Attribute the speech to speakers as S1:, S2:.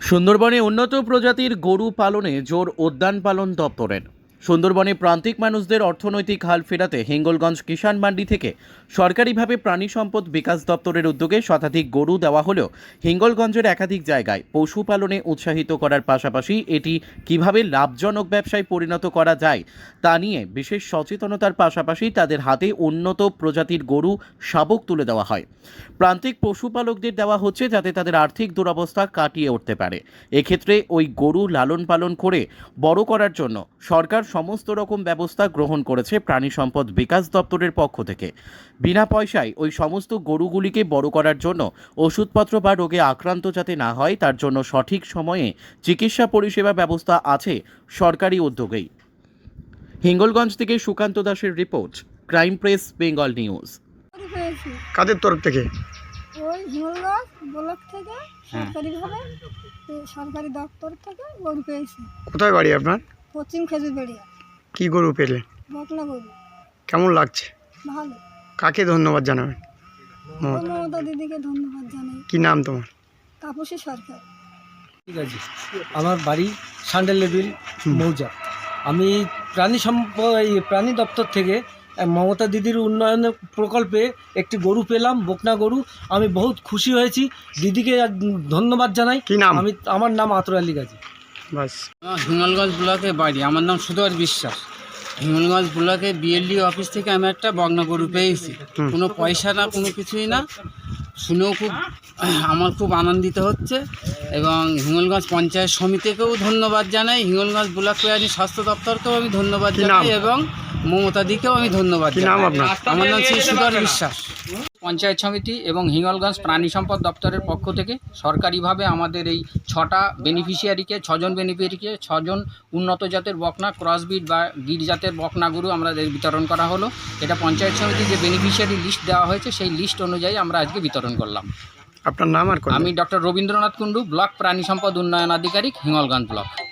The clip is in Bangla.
S1: সুন্দরবনে উন্নত প্রজাতির গরু পালনে জোর উদ্যান পালন দপ্তরের। সুন্দরবনে প্রান্তিক মানুষদের অর্থনৈতিক হাল ফেরাতে হিঙ্গলগঞ্জ কিষাণ মান্ডি থেকে সরকারিভাবে প্রাণী সম্পদ বিকাশ দপ্তরের উদ্যোগে শতাধিক গরু দেওয়া হলেও হিঙ্গলগঞ্জের একাধিক জায়গায় পশুপালনে উৎসাহিত করার পাশাপাশি এটি কিভাবে লাভজনক ব্যবসায় পরিণত করা যায় তা নিয়ে বিশেষ সচেতনতার পাশাপাশি তাদের হাতে উন্নত প্রজাতির গরু শাবক তুলে দেওয়া হয়। প্রান্তিক পশুপালকদের দেওয়া হচ্ছে যাতে তাদের আর্থিক দুরবস্থা কাটিয়ে উঠতে পারে। এক্ষেত্রে ওই গরু লালন পালন করে বড় করার জন্য সরকার সমস্ত রকম ব্যবস্থা গ্রহণ করেছে প্রাণী সম্পদ বিকাশ দপ্তরের পক্ষ থেকে। বিনা পয়সায় ওই সমস্ত গরুগুলিকে বড় করার জন্য ওষুধপত্র বা রোগে আক্রান্ত যাতে না হয় তার জন্য সঠিক সময়ে চিকিৎসা পরিষেবা ব্যবস্থা আছে সরকারি উদ্যোগেই। হিঙ্গলগঞ্জ থেকে সুকান্ত দাসের report, crime press Bengal news.
S2: কাদের তরফ থেকে?
S3: ওই হিঙ্গলগঞ্জ ব্লক থেকে সরকারিভাবে সরকারি দপ্তর থেকে গরু পেয়েছি।
S2: কোথায় বাড়ি আপনার?
S3: পশ্চিম খেজুরবাড়িয়া।
S2: কি গরু পেলে?
S3: বকনা গরু।
S2: কেমন লাগছে?
S3: ভালো।
S2: কাকে ধন্যবাদ জানাবেন?
S3: মমতা দিদিকে ধন্যবাদ জানাই।
S2: কি নাম তোমার?
S3: তাপসী সরকার।
S4: ঠিক আছে, আমার বাড়ি সান্ডেলেবিল মৌজা। আমি প্রাণী দপ্তর থেকে মমতা দিদির উন্নয়নের প্রকল্পে একটি গরু পেলাম, বকনা গরু। আমি বহুত খুশি হয়েছি, দিদিকে ধন্যবাদ জানাই।
S2: কি নাম?
S4: আমার নাম আতর আলী গাজী।
S2: বাস।
S5: হিঙ্গলগঞ্জ ব্লকে বাড়ি, আমার নাম সুধর বিশ্বাস। হিঙ্গলগঞ্জ ব্লকে বিএলডি অফিস থেকে আমি একটা বকনা গরু পেয়েছি। কোনো পয়সা না, কোনো কিছুই না। শুনেও আমার খুব আনন্দিত হচ্ছে এবং হিঙ্গলগঞ্জ পঞ্চায়েত সমিতিকেও ধন্যবাদ জানাই, হিঙ্গলগঞ্জ ব্লক প্রাণী স্বাস্থ্য দপ্তরকেও আমি ধন্যবাদ জানাই এবং মমতা দিকেও আমি ধন্যবাদ জানাই। আমার নাম শ্রী সুধর বিশ্বাস। পঞ্চায়েত সমিতি এবং হিঙ্গলগঞ্জ প্রাণী সম্পদ দপ্তরের পক্ষ থেকে সরকারিভাবে আমাদের এই 6জন বেনিফিশিয়ারিকে 6জন উন্নত জাতের বকনা, ক্রসবিট বা গির জাতের বকনা গরু আমাদের বিতরণ করা হলো। এটা পঞ্চায়েত সমিতির যে বেনিফিশিয়ারি লিস্ট দেওয়া হয়েছে সেই লিস্ট অনুযায়ী আমরা আজকে বিতরণ করলাম।
S2: আপনার নাম আর?
S5: আমি ডক্টর রবীন্দ্রনাথ কুণ্ডু, ব্লক প্রাণী সম্পদ উন্নয়ন আধিকারিক, হিঙ্গলগঞ্জ ব্লক।